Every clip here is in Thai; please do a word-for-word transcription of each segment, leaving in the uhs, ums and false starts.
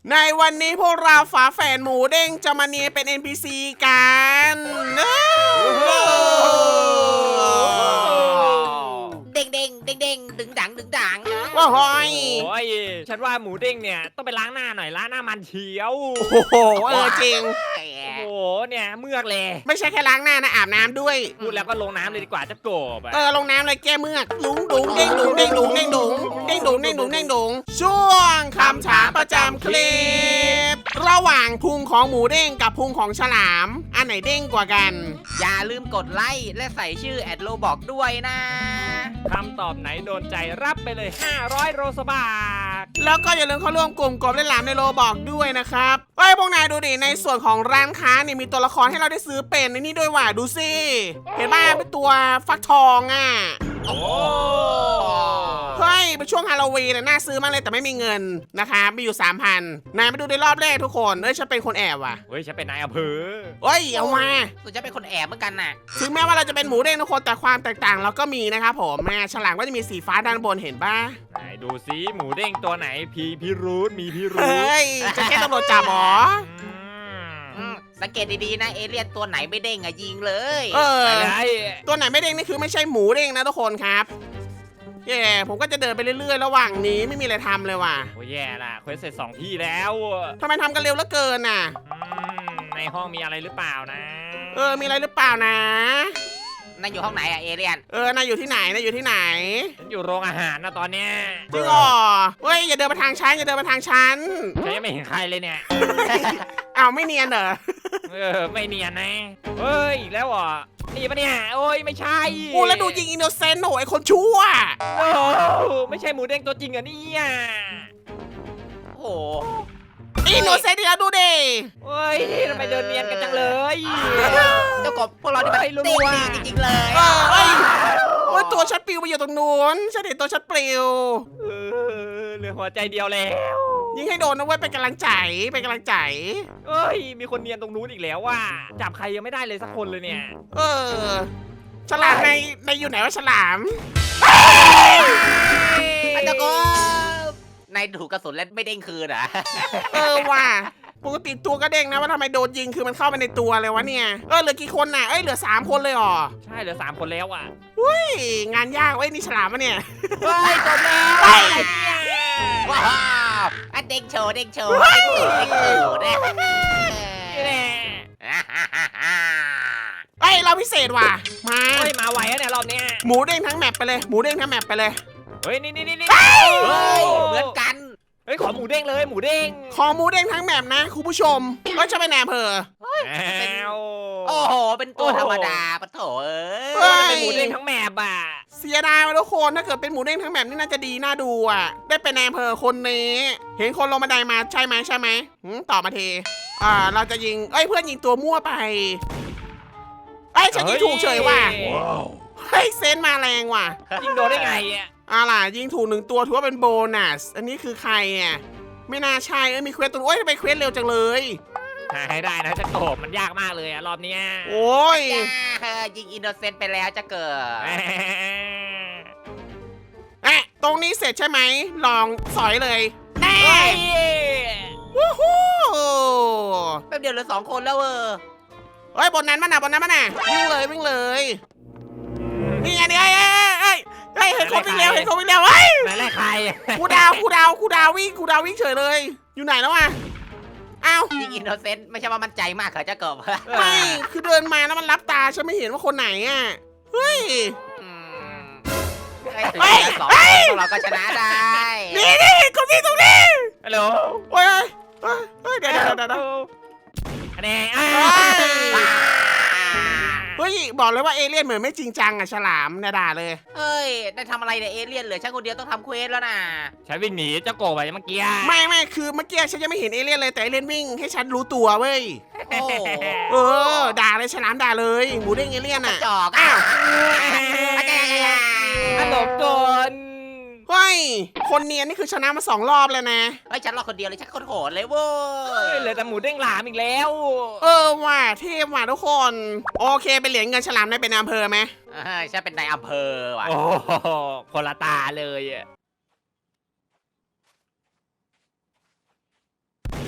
ในวันนี้พวกเราฝาแฝดหมูเด้งจะมาเนียนเป็น เอ็น พี ซี กันเด้งเด้งเด้งเด้งดึงดังดึงดังว้าวโโอ้ยฉันว่าหมูเด้งเนี่ยต้องไปล้างหน้าหน่อยล้างหน้ามันเฉียวอ้โหเออจริงโอ้โหเนี่ยเมือกเลยไม่ใช่แค่ล้างหน้านะอาบน้ำด้วยพูดแล้วก็ลงน้ำเลยดีกว่าจะโกบอะเออลงน้ำเลยแก้เมือกดุงดุงเด้งดุงเด้งดุงเด้งดุงเด้งดุงเด้งดุงเด้งดุงช่วงคำถามประจำคลิป ระหว่างพุงของหมูเด้งกับพุงของฉลาม อันไหนเด้งกว่ากันอย่าลืมกดไลค์และใส่ชื่อแอดโลบอกด้วยนะคำตอบไหนโดนใจรับไปเลยห้าร้อยโรสบาทแล้วก็อย่าลืมเข้าร่วมกลุ่มกบเล่นหลามในโลบอกด้วยนะครับเฮ้ยพวกนายดูดิในส่วนของร้านค้านี่มีตัวละครให้เราได้ซื้อเป็นในนี่ด้วยว่ะดูสิเห็นป่ะเป็นตัวฟักทองอ่ะโอ้เฮ้ยเป็นช่วงฮาโลวีนน่ะน่าซื้อมากเลยแต่ไม่มีเงินนะคะมีอยู่ สามพัน นายไปดูในรอบแรกทุกคนเอ้ยฉันเป็นคนแอบว่ะเฮ้ยฉันเป็นนายอำเภอเฮ้ยเอามาส่วนจะเป็นคนแอบเหมือนกันน่ะถึงแม้ว่าเราจะเป็นหมูเด้งทุกคนแต่ความแตกต่างเราก็มีนะครับผมแม่ฉลามก็จะมีสีฟ้าด้านบนเห็นป่ะไหนดูซิหมูเด้งตัวไหนพีพิรุธมีพิรุเฮธ้ยจะแค่ตำรวจจับหรออืมสังเกตดีๆนะเอเลี่ยนตัวไหนไม่เด้งอะยิงเลยเออไปเลยตัวไหนไม่เด้งนี่คือไม่ใช่หมูเด้งนะทุกคนครับเย่ผมก็จะเดินไปเรื่อยๆ ระหว่างนี้ไม่มีอะไรทำเลยว่ะโอ้ยแย่ละเควสเสร็จสองที่แล้วทำไมทำกันเร็วเหลือเกินน่ะอืมในห้องมีอะไรหรือเปล่านะเออมีอะไรหรือเปล่านะนั่นอยู่ห้องไหนอะเอเลี่ยนเออนายอยู่ที่ไหนนายอยู่ที่ไหนฉันอยู่โรงอาหารนะตอนเนี้ยจริงเหรอเฮ้ยอย่าเดินมาทางฉันอย่าเดินมาทางฉันฉันยังไม่เห็นใครเลยเนี่ยอ้าวไม่เนียนเหรอเออไม่เนียนนะเฮ้ยอีกแล้วเหรอนี่ปะเนี่ยโอ้ยไม่ใช่โอ้แล้วดูยิงอินโนเซนต์โหไอคนชั่วโอ้ไม่ใช่หมูเด้งตัวจริงเหรอเนี่ยโอ้โหอินโนเซนต์ที่เราดูดิเฮ้ยทำไมเดินเนียนกันจังเลยเจ้ากบพวกเราที่มันไม่รู้เด้งอะดีจริงๆเลยเออเอ้ยเว่าตัวฉันปลิวไปอยู่ตรงนู้นฉันเห็นตัวฉันปลิวเออเหลือหัวใจเดียวแล้วยิงให้โดนนะเว้ยเป็นกำลังใจเป็นกำลังใจเอ้ยมีคนเนียนตรงนู้นอีกแล้วว่ะจับใครยังไม่ได้เลยสักคนเลยเนี่ยเออฉลามในในอยู่ไหนวะฉลามเจ้ากบนายถูกกระสุนแล้วไม่เด้งคืนเหรอเออว่ะปกติตัวก็เด้งนะว่าทำไมโดนยิงคือมันเข้าไปในตัวเลยวะเนี่ยเออเหลือกี่คนน่ะเอ้ยเหลือสามคนเลยเหรอใช่เหลือสามคนแล้วอ่ะเฮ้ยงานยากเว้ยนี่ฉลามปะเนี่ยเฮ้ยจบแล้วเฮ้ยว้าวอ่ะเด้งโชว์เด้งโชว์เด้งตูดเด้งตูดเนี่ยนี่แหละเอ้ยเราพิเศษว่ะมาเฮ้ยมาไหวแล้วเนี่ยรอบเนี้ยหมูเด้งทั้งแมปไปเลยหมูเด้งทั้งแมปไปเลยเฮ้ยนี่นี่นี่นี่เฮ้ยเหมือนกันเฮ้ยขอหมูเด้งเลยหมูเด้งขอหมูเด้งทั้งแมปนะคุณผู้ชมก็จะไปแหนเพออ้าวโอ้โหเป็นตัวธรรมดาปะโถเอ้เฮ้ยยเป็นหมูเด้งทั้งแมปอ่ะเสียดายว่ะทุกคนถ้าเกิดเป็นหมูเด้งทั้งแมปนี่น่าจะดีน่าดูอ่ะได้เป็นแหนเพอคนนี้เห็นคนลงบันไดมาใช่ไหมใช่ไหมหืมตอบมาทีอ่าเราจะยิงเอ้ยเพื่อนยิงตัวมั่วไปเอ้ยฉันยิงถูกเฉยว่ะเฮ้ยเซนส์มาแรงว่ะยิงโดนได้ไงอ่ะอ่าล่ะยิงถูกหนึ่งตัวถือว่าเป็นโบนัสอันนี้คือใครอ่ะไม่น่าใช่เอ้ยมีเควสตัวโอ้ยทำไมเควสเร็วจังเลยหาให้ได้นะจะโตบมันยากมากเลยอ่ะรอบเนี้ยโอ้ยจ้ายิงอินโนเซนต์ไปแล้วจะเกิดแหมเอ๊ะตรงนี้เสร็จใช่ไหมลองสอยเลยแน่เฮ้ยวู้ฮู้แป๊บเดียวเหลือสองคนแล้วเออเฮ้ยบนนั้นมันน่ะบนนั้นมันน่ะวิ่งเลยวิ่งเลยนี่ไงนี่ไงเอ้ยเอ้ยเอ้ยเห็นคนวิ่งเร็วเห็นคนวิ่งเร็วเฮ้ยไหนแรกใครครูดาวครูดาวครูดาววิ่งครูดาววิ่งเฉยเลย อยู่ไหนแล้วอ่ะอ้าวยิงอินโนเซนต์ไม่ใช่ว่ามันใจมากเหรอจะเกิดไม่คือเดินมาแล้วมันรับตาฉันไม่เห็นว่าคนไหนอ่ะเฮ้ยอืมไอ้ถึงเหลือสองคนพวกเราก็ชนะได้นี่นี่คนที่ตรงนี้ฮัลโหลโอ้ยเฮ้ยเฮ้ยเดี๋ยวเดี๋ยวเดี๋ยวเดี๋ยวอันนี้อ้าเฮ้ยบอกเลยว่าเอเลี่ยนเหมือนไม่จริงจังอ่ะฉลามเนี่ยด่าเลยเฮ้ยได้ทำอะไรเนี่ยเอเลี่ยนเหลือฉันคนเดียวต้องทำเควสแล้วนะฉันวิ่งหนีเจ้าโกบไปเมื่อกี้ไม่ไม่คือเมื่อกี้ฉันยังไม่เห็นเอเลี่ยนเลยแต่เอเลี่ยนวิ่งให้ฉันรู้ตัวเว้ยโอ้เออด่าเลยฉลามด่าเลยหมูเด้งเอเลี่ยนอ่ะจอกอ้าวอาจารย์ขนมโดนเฮ้ยคนเนียนนี่คือชนะมาสองรอบแล้วนะเฮ้ยฉันรอคนเดียวเลยฉันโคตรโหดเลยเว้เฮ้ยยเหลือแต่หมูเด้งหลามอีกแล้วเออว่ะเทพว่ะทุกคน โอเคเป็นเหรียญเงินฉลามได้เป็นอำเภอไหมเออฉันเป็นนายอำเภอว่ะโอ้โหคนละตาเลยอะ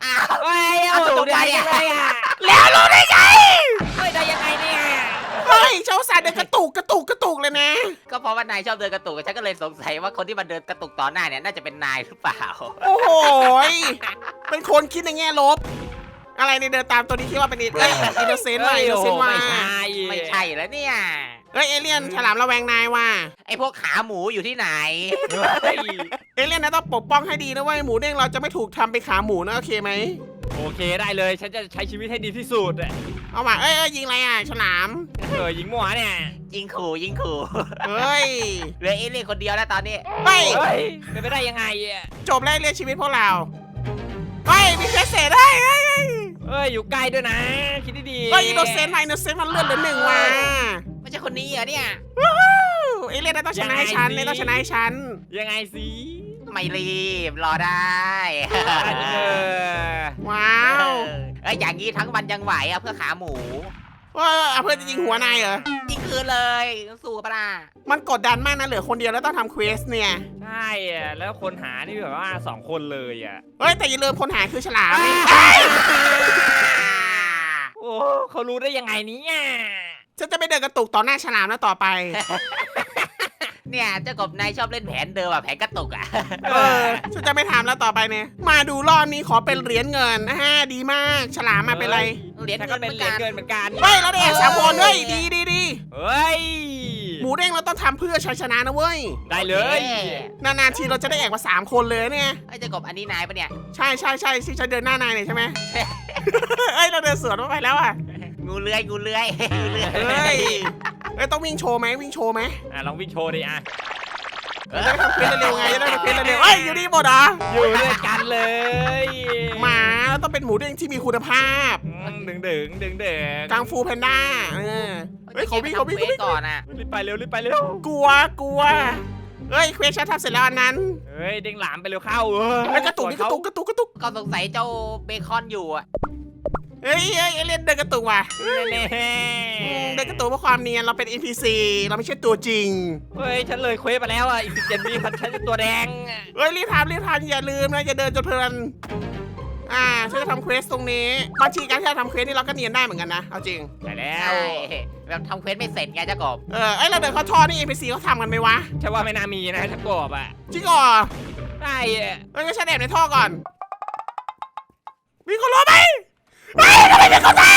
อ้าวเฮ้ยเอาเอาถูตกกใจด้วยเลยอ่ะแล้วรู้ได้ไงเฮ้ยได้ยังไงเนี่ยเฮ้ยเจ้าสายเดินกระตุกกระตุกกระตุกเลยนะก็เพราะว่านายชอบเดินกระตุกฉันก็เลยสงสัยว่าคนที่มันเดินกระตุกต่อหน้าเนี่ยน่าจะเป็นนายหรือเปล่าโอ้โหยเป็นคนคิดในแง่ลบ อะไรในเดินตามตัวนี้คิดว่าเป็นเอ้ยอินโนเซนต์ว่ะอินโนเซนต์ว่ะไม่ใช่ไม่ใช่แล้วเนี่ยเอ้ยเอเลี่ยนฉลามระแวงนายว่ะไอพวกขาหมูอยู่ที่ไหนเฮ้ยเอเลี่ยนนะต้องปกป้องให้ดีนะเว้ยหมูเด้งเราจะไม่ถูกทำเป็นขาหมูนะโอเคไหมโอเคได้เลย ฉันจะใช้ชีวิตให้ดีที่สุดอะเอาว่ะเอ้ยเอ้ยยิงอะไรอ่ะฉลามเออยิงหมัวเนี่ยยิงขู่ยิงขู่เฮ้ยเหลือเอเลี่ยนคนเดียวแล้วตอนนี้เฮ้ยเฮ้ยเป็นไปได้ยังไงอะจบแล้วเรียกชีวิตพวกเราเฮ้ยมีเพชรเศษได้เฮ้ยเฮ้ยเอ้ยอยู่ใกล้ด้วยนะ คิดดีๆเฮ้ยอินโนเซนต์ว่ะอินโนเซนต์มันเลื่อนเหลือหนึ่งว่ะไม่ใช่คนนี้เหรอเนี่ยเอเลี่ยนนะต้องชนะให้ฉันเอเลี่ยนต้องชนะให้ฉันยังไงสิไม่รีบรอได้เออว้าวเอ้ยอย่างนี้ทั้งวันยังไหวอ่ะเพื่อขาหมูเออเอาเพื่อนจะยิงหัวนายเหรอยิงคืนเลยสู้กับปะล่ะมันกดดันมากนะเหลือคนเดียวแล้วต้องทำเควสเนี่ยใช่อะแล้วคนหานี่แบบว่าสองคนเลยอ่ะเฮ้ยแต่อย่าลืมคนหายคือฉลามโอ้เขารู้ได้ยังไงเนี่ยฉันจะไม่เดินกระตุกต่อหน้าฉลามแล้วต่อไปเนี่ยเจ้ากบนายชอบเล่นแผนเดิมอ่ะแผนกระตุกอ่ะเออฉันจะไม่ทำแล้วต่อไปเนี่ยมาดูรอบนี้ขอเป็นเหรียญเงินอ่าดีมากฉลามมาเป็นไรเหรียญฉันเงิก็นเหเป็มืนอนเหรียกัญนเกินเหมือนกันเฮ้ยเราได้เอกสามคนเฮ้ยดีดีดีเฮ้ยหมูเด้งเราต้องทำเพื่อชัยชนะนะเว้ยได้เลยนานๆทีเราจะได้เอกมาสามคนเลยเนี่ยไอ้ยเจ้ากบอันนี้นายปะเนี่ยใช่ใช่ใช่ที่ฉันเดินหน้านายเนี่ยใช่ไหม เอ้ยเราเดินสวนมาไปแล้วอ่ะงูเลื้อยงูเลื้อยงูเลื้อยเฮ้ยเอ้ยต้องวิ่งโชว์ไหมวิ่งโชว์ไหมอ่ะลองวิ่งโชว์ดิอ่ะจะได้ทำเพชรเร็วๆไงจะได้ทำเพชรเร็วๆเอ้ยอยู่นี่หมดเหรออยู่ด้วยกันเลยหมาเราต้องเป็นหมูเด้งที่มีคุณภาพอืมดึงดึงดึงดึงกังฟูแพนด้าเออเฮ้ยเขาวิ่งเขาวิ่งเควเขาวิ่สงก่อนอ่ะรีบไปเร็วรีบไปเร็วกลัวกลัวเฮ้ยเควสชันทำเสร็จแล้วอันนั้นเฮ้ยเด้งหลามไปเร็วเข้าเออเฮ้ยกระตุกนี่กระตุกกระตุกกระตุกก็สงสัยเจ้าเบคอนอยู่อ่ะเฮ้ยเฮ้ยเอเลี่ยนเดินกระตุกว่ะเน่อืมเดินกระตุกเพราะความเนียนเราเป็น เอ็น พี ซี เราไม่ใช่ตัวจริงเฮ้ยฉันเลยเควสไปแล้วอ่ะอีกสิบเจ็ดวิพันฉันจะตัวแดงเฮ้ยรีบทำรีบทำอย่าลืมนะอย่าเดินจนเพลินอ่าฉันจะทำเควสตรงนี้บางทีการที่เราทำเควสนี่เราก็เนียนได้เหมือนกันนะเอาจริงใช่แล้ใช่วแบบทำเควสไม่เสร็จไงเจ้ากบเออไอยเราเดินเข้าท่อนี่ เอ็น พี ซี เขาทำกันไหมวะฉันว่าไม่น่ามีนะถ้ากบอ่ะจริงเหรอใช่อะเฮ้ยงั้นฉันแอบในท่อก่อนมีคนรอไหมเฮ้ยทำไมมีคนตาย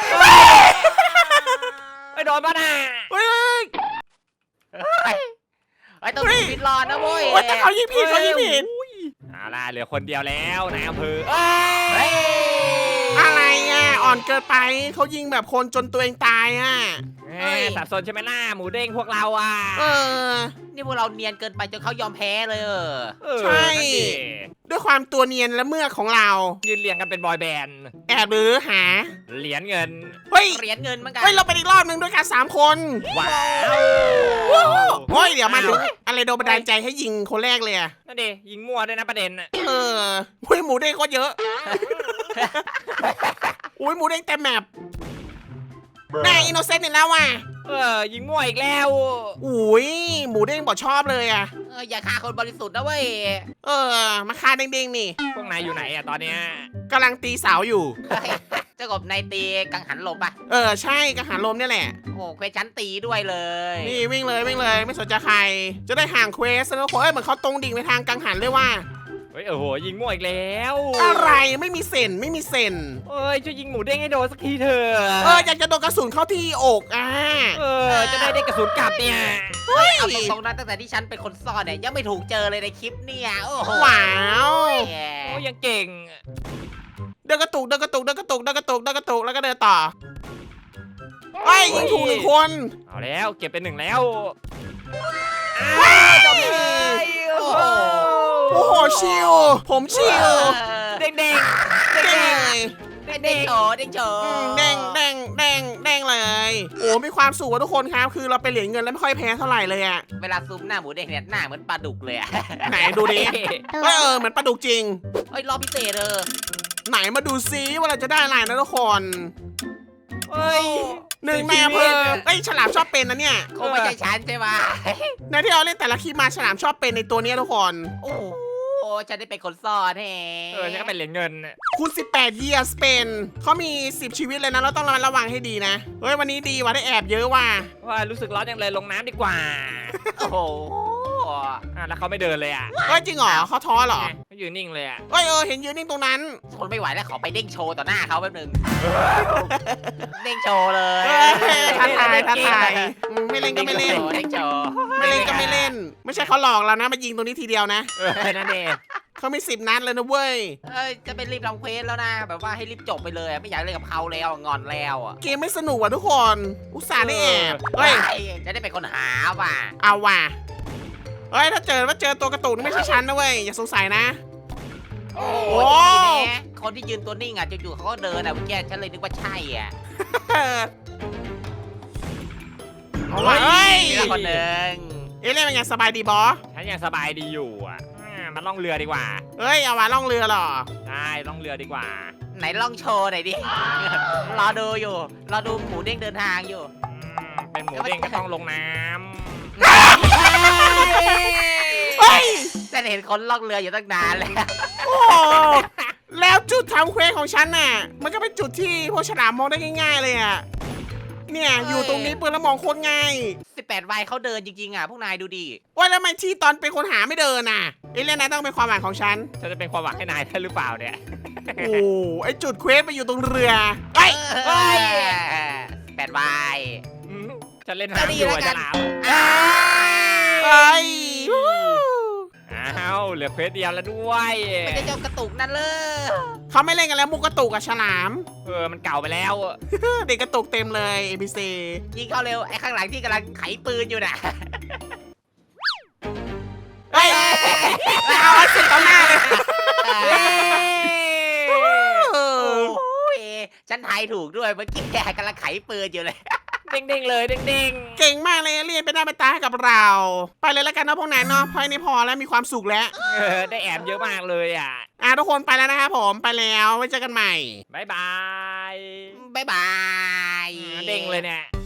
ไอ้โดนป่ะน่ะเฮ้ยเฮ้ยเฮ้ยไอ้ยต้องเฮ้ยปิดรอนะเว้ยเฮ้ยแต่เขายิงผิดเขายิงผิดเอาล่ะเหลือคนเดียวแล้วนายอำเภอเฮ้ยอะไรอ่ะอ่อนเกินไปเขายิงแบบคนจนตัวเองตายอ่ะเอ้ยสับสนใช่ไหมล่ะหมูเด้งพวกเราอ่ะเออนี่พวกเราเนียนเกินไปจนเขายอมแพ้เลยเออเออใช่นั่นดิด้วยความตัวเนียนและเมือกของเรายืนเรียงกันเป็นบอยแบนด์แอบหรือหาเหรียญเงินเฮ้ยเหรียญเงินเหมือนกันเฮ้ยเราไปอีกรอบนึงด้วยกันสามคนว้าวเฮ้ยเดี๋ยวมาถึงอะไรโดนบันดาลใจให้ยิงคนแรกเลยอะนั่นดิยิงมั่วด้วยนะประเด็นน่ะเออหุ้ยหมูเด้งก็เยอะ อุ้ยหมูเด้งเต็มแมปแน่อินโนเซนต์อีกแล้วว่ะเออยิงมั่วอีกแล้วอุ้ยหมูเด้งบอกชอบเลยอะเอออย่าฆ่าคนบริสุทธิ์นะเว้ยเออ มาคาเด้งๆนี่พวกนายอยู่ไหนอ่ะตอนเนี้ยกำลังตีเสาอยู่เฮ้ยเจ้ากบนายตีกังหันลมปะเออใช่กระหารลมเนี่ยแหละโอ้เควสชั้นตีด้วยเลยนี่วิ่งเลยวิ่งเลยไม่สนใจใคร จะได้ห่างเควสแล้วคนเอ้ยเหมือนเขาตรงดิ่งไปทางกังหันเลยว่าเฮ้ยโอ้โหยิงมั่วอีกแล้วอะไรไม่มีเซนไม่มีเซนเอ้ยช่วยยิงหมูเด้งให้โดนสักทีเถอะเอออยากจะโดนกระสุนเข้าที่อกอ่ะเออจะได้ได้กระสุนกลับเนี่ยเฮ้ยเอาตรงๆนะตั้งแต่ที่ฉันเป็นคนซ่อนเนี่ยยังไม่ถูกเจอเลยในคลิปเนี่ยโอ้โหว้าวแหมโอ้ยังเก่งเดินกระตุกเดินกระตุกเดินกระตุกเดินกระตุกเดินกระตุกแล้วก็เดินต่อไอ้ยยิงถูกหนึ่งคนเอาแล้วเก็บเป็นหนึ่งแล้วว้ายจบเลยโอ้โหโอ้โหชิลผมชิลเด้งเด้งเด้งเด้งเลยเด้งเด้งโฉเด้งโฉอืมเด้งเด้งเด้งเด้งเลยโอ้มีความสุขว่ะทุกคนครับคือเราเป็นเหรียญเงินแล้วไม่ค่อยแพ้เท่าไหร่เลยอ่ะเวลาซูมหน้าหมูเด้งเนี่ยหน้าเหมือนปลาดุกเลยอะไหนดูดิเอยเออเหมือนปลาดุกจริงเฮ้ยรอบพิเศษเออไหนมาดูซิว่าเราจะได้อะไรนะทุกคนเฮ้ยหนึ่งในอำเภอเอ้ยฉลามชอบเป็นนะเนี่ยคงไม่ใช่ฉันใช่ไหมในที่เราเล่นแต่ละคลิปมาฉลามชอบเป็นในตัวเนี้ยทุกคนโอ้โหฉันได้เป็นคนซ่อนแฮเออฉันก็เป็นเหรียญเงินน่ะคุณสิบแปด years เป็นเขามีสิบชีวิตเลยนะเราต้องระมัดระวังให้ดีนะเฮ้ยวันนี้ดีว่ะได้แอบเยอะว่ะว่ารู้สึกร้อนจังเลยลงน้ำดีกว่าโอ้โหอ่ะแล้วเขาไม่เดินเลยอ่ะเฮ้ยจริงเหรอเขาท้อเหรอเขายืนนิ่งเลยอ่ะเฮ้ยเออเห็นยืนนิ่งตรงนั้นทนไม่ไหวแล้วขอไปเด้งโชว์ต่อหน้าเขาแป๊บนึงเด้งโชว์เลยเฮ้ยท้าทายท้าทายอืมไม่เล่นก็ไม่เล่นเด้งโชว์ไม่เล่นก็ไม่เล่น ไม่ใช่เขาหลอกเรานะมายิงตรงนี้ทีเดียวนะเออนั่นเองเขามีสิบนัดเลยนะเว้ยเอ้ยจะไปรีบทำเควสแล้วนะแบบว่าให้รีบจบไปเลยอะไม่อยากเล่นกับเขาแล้วงอนแล้วอ่ะเกมไม่สนุกว่ะทุกคน อุตส่าห์ได้แอบเฮ้ยจะได้เป็นคนหาว่ะเอาว่ะเฮ้ยถ้าเจอว่าเจอตัวกระตุกนี่ไม่ใช่ฉันนะเว้ยอย่าสงสัยนะโอ้โอ้ดีนะคนที่ยืนตัวนิ่งอ่ะจู่ๆเขาก็เดินอ่ะเมื่อกี้ฉันเลยนึกว่าใช่อ่ะเอาว่ะเฮ้ยมีละคนหนึ่งเอะเล่นเป็นไงสบายดีบอสฉันยังสบายดีอยู่อ่ะอ่ามาล่องเรือดีกว่าเฮ้ยเอาว่ะล่องเรือเหรอได้ล่องเรือดีกว่าไหนลองโชว์หน่อยดิ รอดูอยู่ รอดูหมูเด้งเดินทางอยู่อืมเป็นหมูเด้งก็ต้องลงน้เฮ้ยแต่เห็นคนล่องเรืออยู่ตั้งนานแล้วโอ้โหแล้วจุดทำเควสของฉันน่ะ มันก็เป็นจุดที่พวกฉลามมองได้ง่าย ๆ เลยอ่ะ เนี่ยอยู่ตรงนี้ปืนแล้วมองโคตรง่ายสิบแปดวัยเขาเดินจริงๆอ่ะ พวกนายดูดิว่าแล้วทำไมที่ตอนเป็นคนหาไม่เดินน่ะเอ้เล่นนะต้องเป็นความหวังของฉันำฉันจะเป็นความหวังให้นายได้หรือเปล่าเนี่ยโอ้ไอจุดเควสไปอยู่ตรงเรือเฮ้ยเฮ้ยแปดวัยอืมฉันเล่นน้ำอยู่อะฉลามเฮ้ยวู้อ้าวเหลือเควสเดียวแล้วด้วยไม่ได้เจ้ากระตุกนั่นเลยเขาไม่เล่นกันแล้วมุกกระตุกกับฉลามเออมันเก่าไปแล้วเด็กกระตุกเต็มเลย เอ พี ซียิงเข้าเร็ว ไอ้ข้างหลังที่กำลังไขปืนอยู่น่ะเฮ้ยเอาให้เสร็จต่อหน้าเลยโอ้ยฉันทายถูกด้วยเมื่อกี้กำลังไขปืนอยู่เลยเด้งๆเลยเด้งเก่งมากเลยเรียนเป็นหน้าเป็นตาให้กับเรา ไปเลยแล้วกันนะพวกนั้นเนาะเพราะอันนี้พอแล้วมีความสุขแล้วๆเออได้แอบเยอะมากเลยอ่ะอ่ะทุกคนไปแล้วนะครับผมไปแล้วไว้เจอกันใหม่บายบายบ๊ายบายเด้งเลยเนี่ย